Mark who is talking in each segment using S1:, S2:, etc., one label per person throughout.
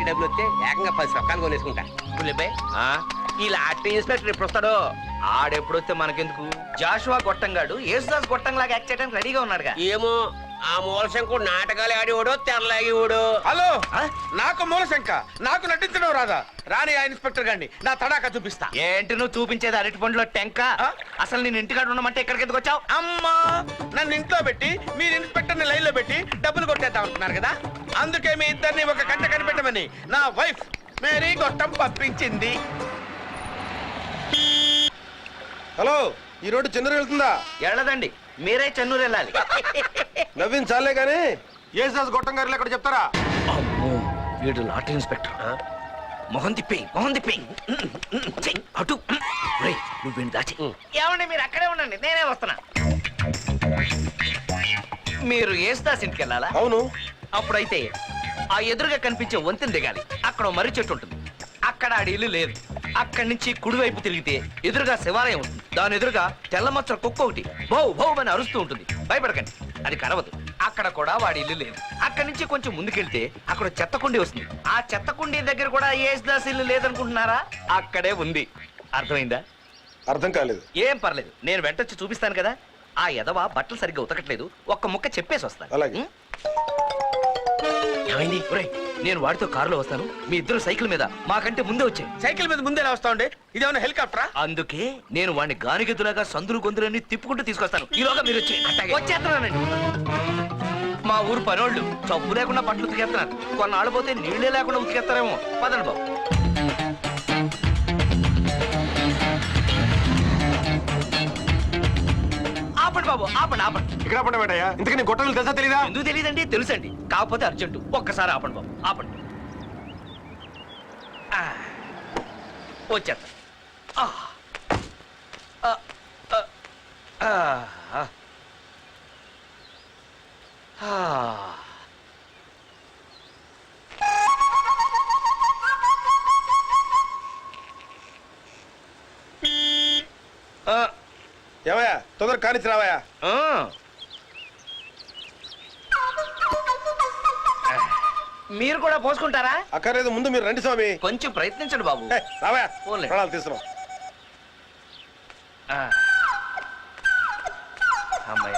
S1: Lottery డబ్బులు వస్తే ఏకంగా 10 సొక్కాలు కొనేసుకుంటా.
S2: పుల్లిబాయ్ ఈ లాటరీ ఇన్స్పెక్టర్ ఎప్పుడు వస్తాడో? ఆడెప్పుడు వస్తే మనకెందుకు? జాషువా గొట్టంగాడు యేసుదాస్ గొట్టంలాగా యాక్ట్ చేయడానికి రెడీగా ఉన్నాడుగా.
S1: ఏమో ఆ మూలశంకుడు నాటకాలు ఆడేవాడో తెరలాగేవాడు.
S3: హలో, నాకు మూలశంక, నాకు నటించడం రాదా? రాని ఆ ఇన్స్పెక్టర్ గారిని నా తడాకా చూపిస్తా.
S2: ఏంటి నువ్వు చూపించేది అరటి పండులో టెంక? అసలు నేను ఇంటికాడ ఉండమంటే ఎక్కడికి ఎందుకు వచ్చావు?
S3: అమ్మా, నన్ను ఇంట్లో పెట్టి మీరు ఇన్స్పెక్టర్ ని లైన్ లో పెట్టి డబ్బులు కొట్టేద్దాం అంటున్నారు కదా, అందుకే మీ ఇద్దరిని ఒక గంట కనిపెట్టమని నా వైఫ్ మేరీ గొట్టం పంపించింది. హలో, ఈ రోడ్డు చెన్నూరు వెళ్తుందా?
S2: వెళ్ళదండి, మీరే చెన్నూరు వెళ్ళాలి.
S3: నవ్వించాలే గానీ యేసుదాస్ గొట్టం గారు ఎక్కడ చెప్తారా?
S2: అమ్మో, వీడు లాటరీ ఇన్స్పెక్టర్. మొహం తిప్పి అటు నువ్వు వీడిని దాచి. ఏమండి మీరు అక్కడే ఉండండి, నేనే వస్తున్నా. మీరు యేసుదాస్ ఇంటికి వెళ్ళాలా?
S3: అవును.
S2: అప్పుడైతే ఆ ఎదురుగా కనిపించే వంతెన దిగాలి. అక్కడ మర్రి చెట్టు ఉంటుంది, అక్కడ ఆడి ఇల్లు లేదు. అక్కడి నుంచి కుడివైపు తిరిగితే ఎదురుగా శివాలయం ఉంటుంది. దాని ఎదురుగా తెల్లమచ్చ కుక్క ఒకటి భౌ భౌ అని అరుస్తూ ఉంటుంది. భయపడకండి, అది కరవదు. అక్కడ కూడా వాడి ఇల్లు లేదు. అక్కడి నుంచి కొంచెం ముందుకెళ్తే అక్కడ చెత్త కుండీ వస్తుంది. ఆ చెత్త కుండీ దగ్గర కూడా యేసుదాస్ ఇల్లు లేదనుకుంటున్నారా? అక్కడే ఉంది. అర్థమైందా?
S3: అర్థం కాలేదు.
S2: ఏం పర్లేదు, నేను వెంటొచ్చి చూపిస్తాను కదా. ఆ ఎదవ బట్టలు సరిగ్గా ఉతకట్లేదు, ఒక్క ముక్క చెప్పేసి వస్తాను.
S3: అలాగే.
S2: ఏమైంది? నేను వాడితో కారులో వస్తాను, మీ ఇద్దరు సైకిల్ మీద మాకంటే ముందే వచ్చాయి.
S3: సైకిల్ మీద ముందే వస్తా ఉండే, ఇదేమన్నా హెలికాప్టరా?
S2: అందుకే నేను వాడిని గానిగెద్దులాగా సందులు గొంతులన్నీ తిప్పుకుంటూ తీసుకొస్తాను. ఈలోగా మీరు వచ్చేస్తున్నానండి. మా ఊరు పనోళ్ళు చప్పు లేకుండా బట్టలు ఉతికేస్తున్నారు. కొన్నాళ్ళు పోతే నీళ్లే లేకుండా ఉతికేస్తారేమో. పదండి బాబు. ఆపండి బాబు, ఆపండి ఆపండి.
S3: ఇక్కడ ఆపండి బేటయ్యా, ఇంతకీ నీ గొట్టలు తెలుసా తెలీదా?
S2: ఎందుకు తెలియదండి? తెలుసండి, కాకపోతే అర్జెంటు. ఒక్కసారి ఆపండి బాబు, ఆపండి. వచ్చేస్తా.
S3: ఏమయ్యా, తొందర కానిచ్చి రావయ్యా.
S2: మీరు కూడా పోసుకుంటారా?
S3: అక్కర్లేదు, ముందు మీరు రండి స్వామి.
S2: కొంచెం ప్రయత్నించండి బాబు.
S3: రావయ్యా,
S2: పోన్లే.
S3: ప్రాణాలు తీసుకున్నాం.
S2: అమ్మాయి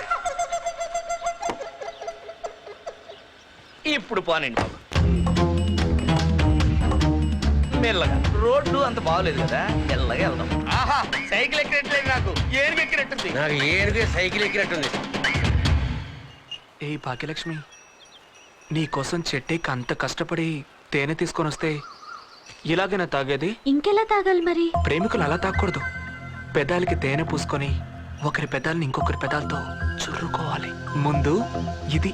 S2: ఇప్పుడు పోనండి బాబు, మెల్లగా. రోడ్డు అంత బాగోలేదు కదా, మెల్లగా వెళ్దాం.
S3: ఆహా, సైకిల్ ఎక్కినట్లేదు, నాకు ఏనుగు ఎక్కినట్టుంది.
S1: నాకు ఏనుగు సైకిల్ ఎక్కినట్టుంది.
S4: ఏ భాగ్యలక్ష్మి, నీకోసం చెట్టేకి అంత కష్టపడి తేనె తీసుకొని వస్తే ఇలాగైనా తాగేది?
S5: ఇంకెలా తాగాలి మరి?
S4: ప్రేమికులు అలా తాగకూడదు. పెదాలకి తేనె పూసుకొని ఒకరి పెదాలని ఇంకొకరి పెదాలతో చుర్రుకోవాలి. ముందు ఇది.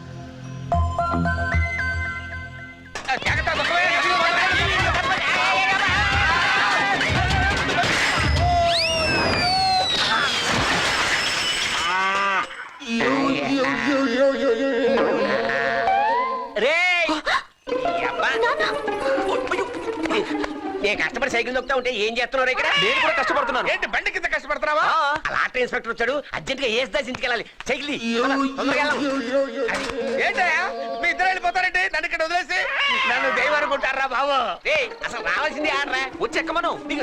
S1: నేను కష్టపడి సైకిల్ దొక్కుతా ఉంటే ఏం చేస్తున్నారు ఇక్కడ?
S2: నేను కూడా కష్టపడుతున్నాను.
S3: ఏంటి బండి కింద కష్టపడుతున్నావా?
S1: లాటరీ ఇన్స్పెక్టర్ వచ్చాడు, అర్జెంట్ గా యేసుదాస్ ఇంటికి వెళ్ళాలి. సైకిల్
S3: ఏంటయ్యా, మీ ఇద్దరు వెళ్ళిపోతారండి నన్ను ఇక్కడ వదిలేసి?
S1: నన్ను దైవం అనుకుంటారా బాబు? అసలు రావాల్సింది ఆడరా.
S2: వచ్చి ఎక్కమను.
S1: దిగు.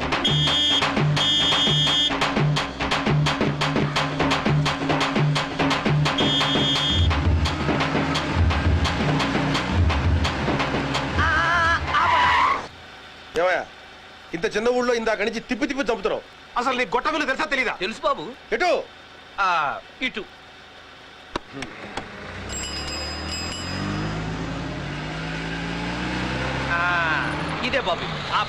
S3: ఏమయ్యా, ఇంత చిన్న ఊళ్ళో ఇందాక నుంచి తిప్పి తిప్పి చంపుతున్నావు. అసలు నీ గొట్ట విలువ తెలుసా తెలీదా?
S2: తెలుసు బాబు.
S3: ఎటు?
S2: ఇటు. ఇదే బాబు.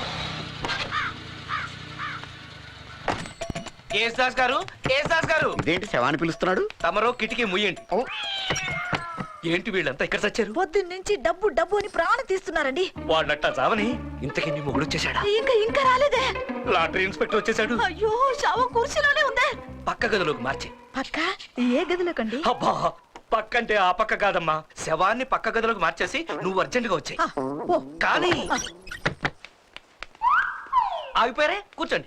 S2: యేసుదాస్ గారు, యేసుదాస్ గారు.
S6: ఇదేంటి శవాన్ని పిలుస్తున్నాడు?
S2: తమరో కిటికీ ముయ్యండి. ఏంటి వీళ్ళంతా ఇక్కడ చచ్చారు?
S5: పొద్దున్నుంచి డబ్బు డబ్బు అని ప్రాణం తీస్తున్నారండి.
S2: వాడినట్ట చావని ఇంతకీ నీ మొగుడు వచ్చేసాడా?
S5: ఇంకా రాలేదే.
S2: లాటరీ ఇన్స్పెక్టర్ వచ్చేసాడు.
S5: అయ్యో, శవం కుర్చీలోనే ఉందే.
S2: పక్క గదిలోకి మార్చి.
S5: పక్క ఏ గదిలోకండి?
S2: అబ్బా, పక్కంటే ఆ పక్క కాదమ్మా, శవాన్ని పక్క గదిలోకి మార్చేసి నువ్వు అర్జెంట్ గా వచ్చాయి. కానీ ఆగిపోయారే, కూర్చోండి.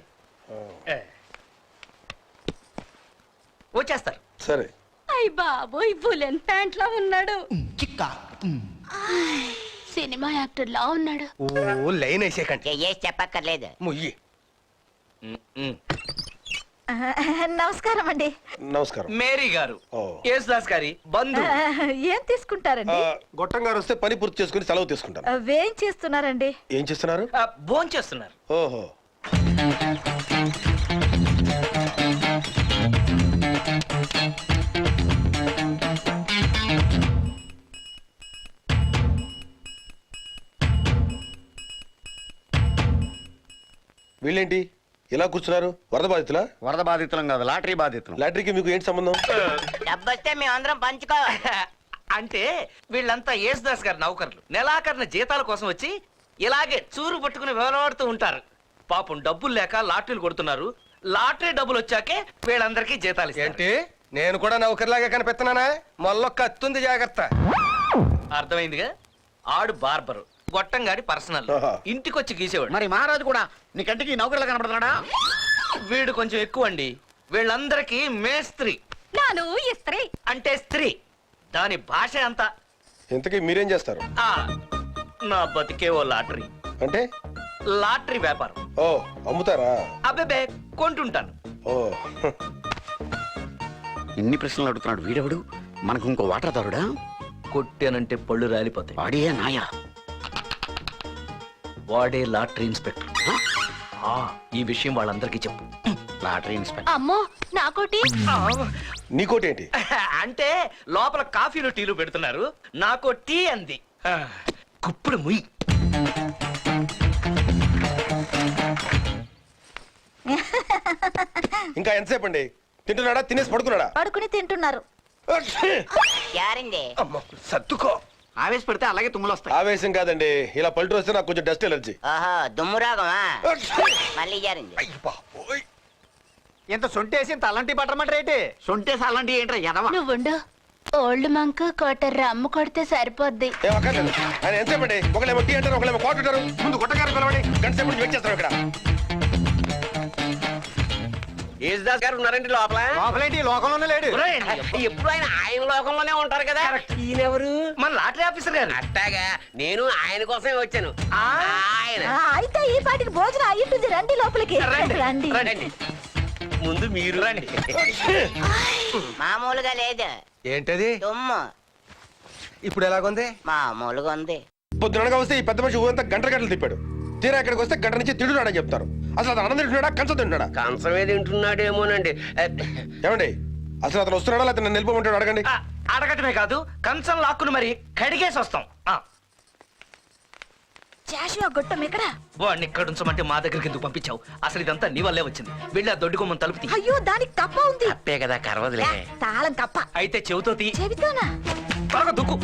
S2: వచ్చేస్తారు.
S3: సరే.
S5: అయ్య బాబోయ్, బులెన్ ప్యాంట్ లో ఉన్నాడు.
S6: సినిమా యాక్టర్ లా ఉన్నాడు.
S7: ఓ లైన్ వేసేకండి
S1: చెయ్యేసి చెప్పక్కర్లేదు.
S7: ముయ్యి.
S5: నమస్కారం అండి.
S3: నమస్కారం.
S2: మేరీ గారు
S3: ఓ.
S2: యేసుదాస్ గారి బంధు.
S5: ఏం తీసుకుంటారండి?
S3: గొట్టం గారు వస్తే పని పూర్తి చేసుకుని సెలవు తీసుకుంటాను.
S5: ఏం చేస్తున్నారండి?
S3: ఏం చేస్తున్నారు?
S2: భోంచేస్తున్నారు.
S3: ఓహో. వీళ్ళేంటి ఇలా కూర్చున్నారు? వరద బాధితులా?
S8: వరద బాధితులం కాదు, లాటరీ బాధితులం.
S3: లాటరీకి మీకు ఏంటి సంబంధం?
S1: డబ్బొస్తే మేమందరం పంచుకోవాలి.
S2: అంటే వీళ్ళంతా యేసుదాస్ గారి నౌకర్లు. నెలాఖరిన జీతాల కోసం వచ్చి ఇలాగే చూరు పట్టుకుని వేలాడుతూ ఉంటారు. పాపం డబ్బులు లేక లాటరీలు కొడుతున్నారు. లాటరీ డబ్బులు వచ్చాకే వీళ్ళందరికీ జీతాలు ఇస్తారు.
S7: ఏంటి నేను కూడా నౌకర్లాగా కనిపిస్తున్నానా? మొల్లో కత్తుంది జాగ్రత్త.
S2: అర్థమైందిగా? ఆడు బార్బరు, గొట్టంగాడి పర్సనల్.
S3: ఆహా.
S2: ఇంటికొచ్చి గీసేవాడు.
S8: మరి మహారాజు కూడా నీ కంటికి నౌకర్లా కనపడుతున్నాడా?
S2: వీడు కొంచెం ఎక్కువ అండి. వీళ్ళందరికీ మేస్త్రి
S6: నాను ఇస్త్రీ.
S2: అంటే స్త్రీ. దాని భాష అంతా.
S3: ఇంతకీ మీరేం చేస్తారు?
S2: ఆ, నా బతికే ఓ లాటరీ.
S3: అంటే?
S2: లాటరీ వ్యాపారం.
S3: ఓ, అమ్ముతారా?
S2: అబ్బే కొంటుంటాను.
S3: ఓ.
S8: ఇన్ని ప్రశ్నలు అడుగుతున్నాడు వీడెవడు? మనకు ఇంకో వాటాదారుడా?
S2: కొట్టానంటే పళ్ళు రాలిపోతాయి.
S8: వాడే నాయా?
S2: వాడే లాటరీ ఇన్స్పెక్టర్. ఆ, ఈ విషయం వాళ్ళందరికీ చెప్పు.
S8: Lottery inspector.
S6: అమ్మో నాకోటి.
S3: నీకోటి ఏంటి?
S2: అంటే లోపల కాఫీలు టీలు పెడుతున్నారు. నాకో టీ అంది. ఆ, కుప్పుడు ముయ్.
S3: ఇంకా ఎంతసేపు అండి? తింటున్నాడా? తినేసి పడుకున్నాడా?
S5: పడుకుని తింటున్నారు.
S1: యారండి?
S7: అమ్మో సర్దుకో.
S8: ఆవేశపెడితే అలాగే తుమ్ములు వస్తాయి.
S3: ఆవేశం కాదండి, ఇలా పల్టు వస్తే నాకు కొంచెం డస్ట్ ఎలర్జీ.
S1: ఓహో, దుమ్ము రాగమా? మళ్ళీ యారండి?
S3: అయ్య బాబోయ్.
S8: ఇంత సొంటేసి ఇంత అలాంటి పట్టమంటారేంటి? సొంటేసి అలాంటి ఏంట్రా ఎదవా?
S6: నువ్వుండు. ఓల్డ్ మంక్ కోటర్ రమ్ము కొడితే సరిపోద్ది.
S3: ఏం అక్కర్లేదు. ఆయన ఎంతసేపు అండి? ఒకళ్ళేమో టీ అంటారు, ఒకళ్ళేమో కాఫీ అంటారు. ముందు గుట్టగారు పిలవండి. గంట సేపు నుంచి వెయిట్ చేస్తారు ఇక్కడ.
S1: యేసుదాస్ గారు ఉన్నారండి లోపల?
S8: లోపలేంటి లోకంలోనే లేడు.
S2: ఒరేయ్,
S1: ఎప్పుడు ఆయన లోకంలోనే ఉంటారు కదా. ఈయనెవరు?
S2: మన లాటరీ ఆఫీసర్ గారు.
S1: అట్టాగా నేను ఆయన కోసమే వచ్చాను. ఆయన
S5: అయితే ఈ పాటికి భోజనం అయ్యింటుంది. రండి లోపలికి.
S2: రండి.
S5: రండి.
S2: రండి.
S1: ముందు మీరు
S2: రండి.
S1: మామూలుగా లేదు,
S7: ఏంటది
S1: దుమ్ము
S7: ఇప్పుడు ఎలాగుంది?
S1: మామూలుగా ఉంది.
S3: పొద్దునగా వస్తే ఈ పెద్ద మనిషి ఊరంతా గంటలు తిప్పాడు. తీరా ఇక్కడికి వస్తే గంట నుంచి తింటున్నాడని చెప్తారు. అసలు అతను అన్నం తింటున్నాడా, కంచం తింటున్నాడా?
S1: కంచమే తింటున్నాడేమోనండి.
S3: ఏమండి, అసలు అతను వస్తున్నాడా లేకపోతే నన్ను నిలిపోమంటాడు? అడగండి.
S2: ఆ, అడగటమే కాదు, కంచం లాక్కును మరి కడిగేసి వస్తాం.
S5: జాషువా గొట్టం ఎక్కడ?
S2: వాడిని ఇక్కడ ఉంచమంటే మా దగ్గరికి ఎందుకు పంపించావు? అసలు ఇదంతా నీ వల్లే వచ్చింది. వెళ్ళి ఆ దొడ్డి కొమ్మని తలుపు తీ.
S5: అయ్యో, దానికి తప్ప ఉంది.
S1: అప్పే కదా కరవదులే.
S5: తాళం తప్ప.
S2: అయితే చెవితో తీ.
S5: చెబుతానా?
S2: బాగా దుక్కు.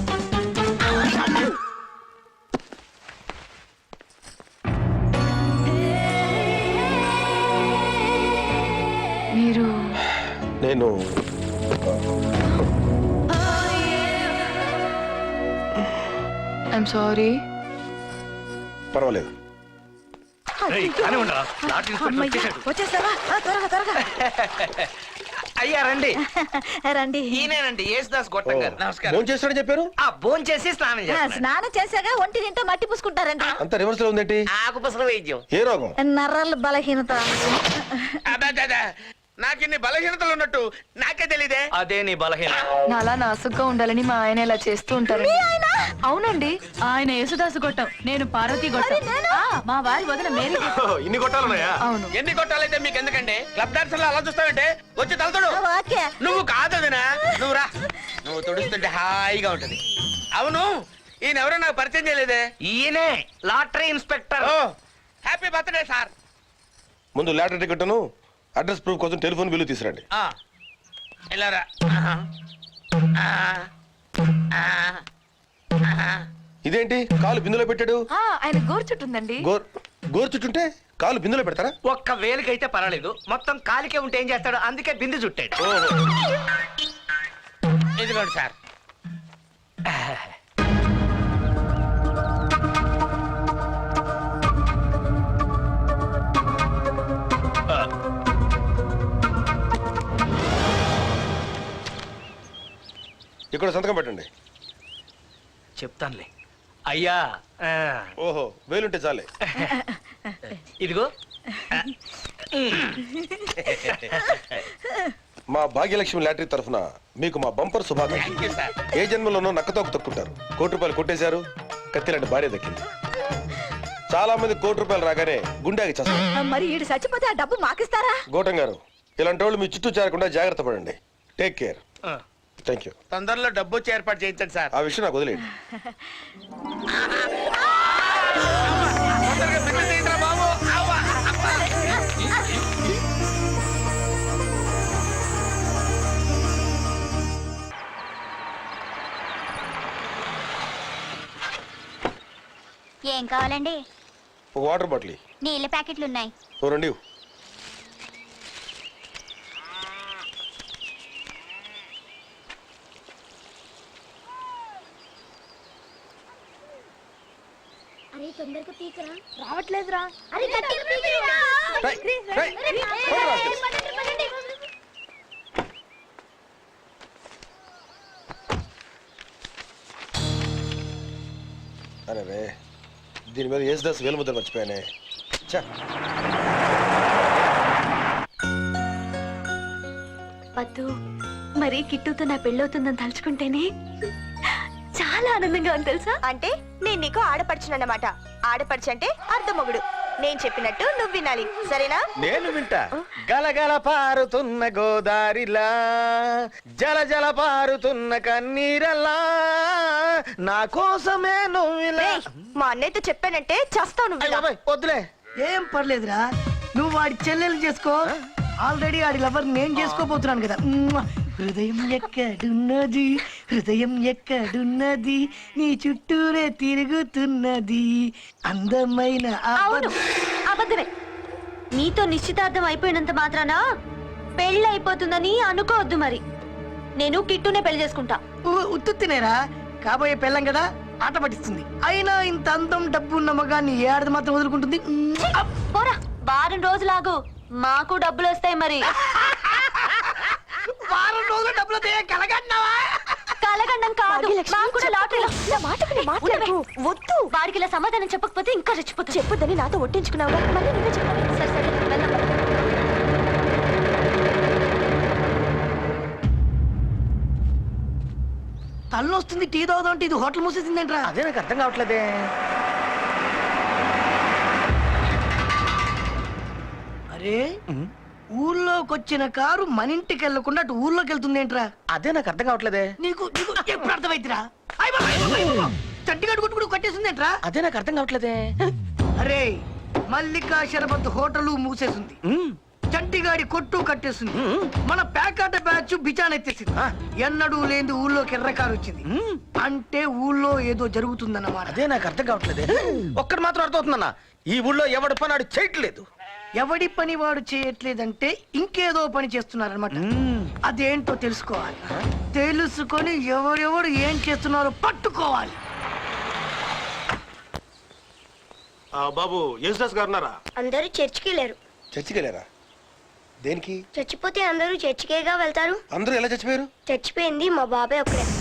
S6: మీరు
S3: నేను
S6: ఐఎమ్ సారీ.
S3: పర్వాలేదు.
S2: రేయ్, కానీ ఉండరా? లాటరీ ఇన్స్పెక్టర్
S5: అమ్మయ్య,
S2: వచ్చేసాడు.
S5: వచ్చేసావా? త్వరగా త్వరగా.
S2: అయ్యా రండి.
S5: రండి.
S2: ఈయనేనండి యేసుదాస్ గొట్టం గారు. నమస్కారం.
S3: ఫోన్ చేస్తాడని చెప్పారు.
S2: ఆ భోంచేసి స్నానం చేస్తున్నాడు.
S5: స్నానం చేశాక ఒంటి నింటో మట్టి పూసుకుంటారండి.
S3: అంత రివర్స్ లో ఉందేంటి?
S1: ఆకుపసల వైద్యం.
S3: ఏ రోగం?
S5: నర్రల బలహీనత.
S3: నాకిన్ని బలహీనతలు ఉన్నట్టు నాకే తెలీదే.
S2: అదే నీ బలహీన.
S9: నాలా నాసుగ్గా ఉండాలని మా ఆయన ఇలా చేస్తూ ఉంటారు. అవునండి, ఆయన యేసుదాసు గొట్టం, నేను పార్వతి గొట్టం. మా వారి వదిన మేరీ.
S3: ఇన్ని కొట్టాలున్నాయా?
S9: అవును.
S3: ఎన్ని కొట్టాలైతే మీకు ఎందుకండి? క్లబ్ డాన్సర్ లో అలా చూస్తావంటే వచ్చి తలతడు.
S5: ఓకే.
S3: నువ్వు కాదదినా, నువ్వు రా. నువ్వు తుడుస్తుంటే హాయిగా ఉంటది. అవును, ఈయన ఎవరో నాకు పరిచయం చేయలేదే.
S2: ఈయనే లాటరీ ఇన్స్పెక్టర్.
S3: ఓ, హ్యాపీ బర్త్డే సార్. ముందు లాటరీ టికెట్ను, అడ్రస్ ప్రూఫ్ కోసం టెలిఫోన్ బిల్లు తీసురండి.
S1: వెళ్ళారా?
S3: ఇదేంటి కాలు బిందులో పెట్టాడు?
S9: ఆయన గోర్చుట్టుందండి.
S3: గోరు చుట్టుంటే కాలు బిందులో పెడతారా?
S2: ఒక్క వేలికైతే పర్వాలేదు, మొత్తం కాలికే ఉంటే ఏం చేస్తాడు? అందుకే బిందు చుట్టాడు.
S1: ఇదిగోండి సార్.
S3: ఇక్కడ సంతకం పెట్టండి.
S2: చెప్తానులే. అయ్యా ఆ,
S3: ఓహో వేలుంటే చాలే.
S2: ఇదిగో
S7: మా భాగ్యలక్ష్మి లాటరీ తరఫున మీకు మా బంపర్ శుభాకాంక్షలు.
S3: Thank you sir.
S7: ఏ జన్మలోనో నక్కతోక తొక్కుంటారు, ₹1,00,00,000 కొట్టేశారు, కత్తిలాంటి భార్య దక్కింది. చాలా మంది ₹1,00,00,000 రాగానే గుండెకి చేస్తారు.
S5: మరి ఈడు చచ్చిపోతే ఆ డబ్బు మాకిస్తారా?
S7: గోటం గారు, ఇలాంటి వాళ్ళు మీ చుట్టూ చేరకుండా జాగ్రత్త పడండి. Take care.
S2: ఆ.
S7: Thank you.
S3: తొందరలో డబ్బు వచ్చి ఏర్పాటు చేయించండి సార్.
S7: ఆ విషయం నాకు వదిలేయండి.
S3: తొందరగా పిల్లలు తీయండిరా బాబు. అవ్వ, అవ్వ.
S6: ఏం కావాలండి?
S7: ఒక వాటర్ బాటిల్ ఇయ్యి.
S6: నీళ్ళ ప్యాకెట్లు ఉన్నాయి.
S7: ఓ రెండు ఇవ్వు.
S6: అరే తొందరగా పీకరా. రావట్లేదురా. అరే
S7: రేయ్, రేయ్, పట్టురా. అరే రే, దీని మీద యేసుదాస్ వేలుముద్ర మర్చిపోయానే. ఛ.
S6: వద్దు, మరి కిట్టుతో నా పెళ్ళవుతుందని తలుచుకుంటేనే చాలా ఆనందంగా ఉంది తెలుసా.
S10: అంటే నేను నీకు ఆడపడుచునన్నమాట. ఆడపడుచు అంటే అర్ధమొగుడు. నేను చెప్పినట్టు నువ్వు వినాలి, సరేనా?
S3: నేను వింటా. గలగల పారుతున్న గోదారిలా, జల జల పారుతున్న కన్నీరలా, నా కోసమే నువ్విలా.
S10: రేయ్, మా అన్నయ్యతో చెప్పానంటే చస్తావు నువ్వు ఇలా.
S3: వద్దులే.
S11: ఏం పర్లేదురా, నువ్వు వాడి చెల్లెలు చేసుకో. ఆల్రెడీ ఆడి లవర్ నేను చేసుకోబోతున్నాను కదా. హృదయం ఎక్కడున్నది, హృదయం ఎక్కడున్నది, నీ చుట్టూనే తిరుగుతున్నది అందమైన
S6: అవును, అబద్ధమే. నీతో నిశ్చితార్థం అయిపోయినంత మాత్రాన పెళ్ళి అయిపోతుందని అనుకోవద్దు. మరి నేను కిట్టునే పెళ్లి చేసుకుంటా.
S11: ఉత్తునేరా, కాబోయే పెళ్ళం కదా, ఆట పట్టిస్తుంది. అయినా ఇంత అందం డబ్బు ఉన్న మగాన్ని ఏ ఆడది మాత్రం వదులుకుంటుంది.
S6: పోరా, వారం రోజులాగు, మాకు డబ్బులు వస్తాయి. మరి
S11: వారం రోజులు డబ్బులు కలగన్నావా?
S6: కలగండం కాదు, మాకు కూడా లాటరీలో.
S10: నా మాటకు నీ మాట్లాడకు. వద్దు.
S6: వాడికి ఇలా సమాధానం చెప్పకపోతే ఇంకా రెచ్చిపోతా.
S10: చెప్పొద్దని నాతో ఒట్టించుకున్నావుగా, మళ్ళీ నువ్వే చెప్పాలి.
S6: సరే సరే, వెళ్దాం.
S11: తల్లొస్తుంది, టీ తాగుదాం. ఇది హోటల్ మూసేసిందేంట్రా?
S3: అదే నాకు అర్థం కావట్లేదే.
S11: అరే, ఊర్లోకి వచ్చిన కారు మన ఇంటికి వెళ్ళకుండా అటు ఊర్లోకి వెళ్తుంది ఏంట్రా?
S3: అదే నాకు అర్థం కావట్లేదే.
S11: నీకు ఎప్పుడు అర్థమైతురా? చట్టిగడ్డు కొట్టుకుడు కట్టేసింది ఏంట్రా?
S3: అదే నాకు అర్థం కావట్లేదే.
S11: అరే, మల్లికా షరబత్ హోటల్ మూసేసింది, చంటిగాడి కొట్టు కట్టేసింది, మన ప్యాకాట బ్యాచ్ బిచానెత్తేసింది. ఎన్నడూ లేని ఊళ్ళోకి ఎర్రకారు వచ్చింది. అంటే ఊళ్ళో ఏదో జరుగుతుందన్నమాట.
S3: అదే నాకు అర్థం కావట్లేదే. ఒక్కటి మాత్రం అర్థమవుతుందన్న, ఈ ఊళ్ళో ఎవడు పని ఆడు చేయట్లేదు.
S11: ఎవడి పని వాడు చేయట్లేదంటే ఇంకేదో పని చేస్తున్నారనమాట. అదేంటో తెలుసుకోవాలి. తెలుసుకొని ఎవరెవరు ఏం చేస్తున్నారో పట్టుకోవాలి.
S3: బాబు యేసుదాస్ గారు ఉన్నారా?
S10: అందరూ చర్చికి వెళ్ళారు.
S7: చర్చికి వెళ్ళారా? దేనికి?
S10: చచ్చిపోతే అందరూ చర్చికేగా వెళ్తారు.
S7: అందరూ ఎలా చచ్చిపోయారు?
S10: చచ్చిపోయింది మా బాబాయ్ ఒక్కడే.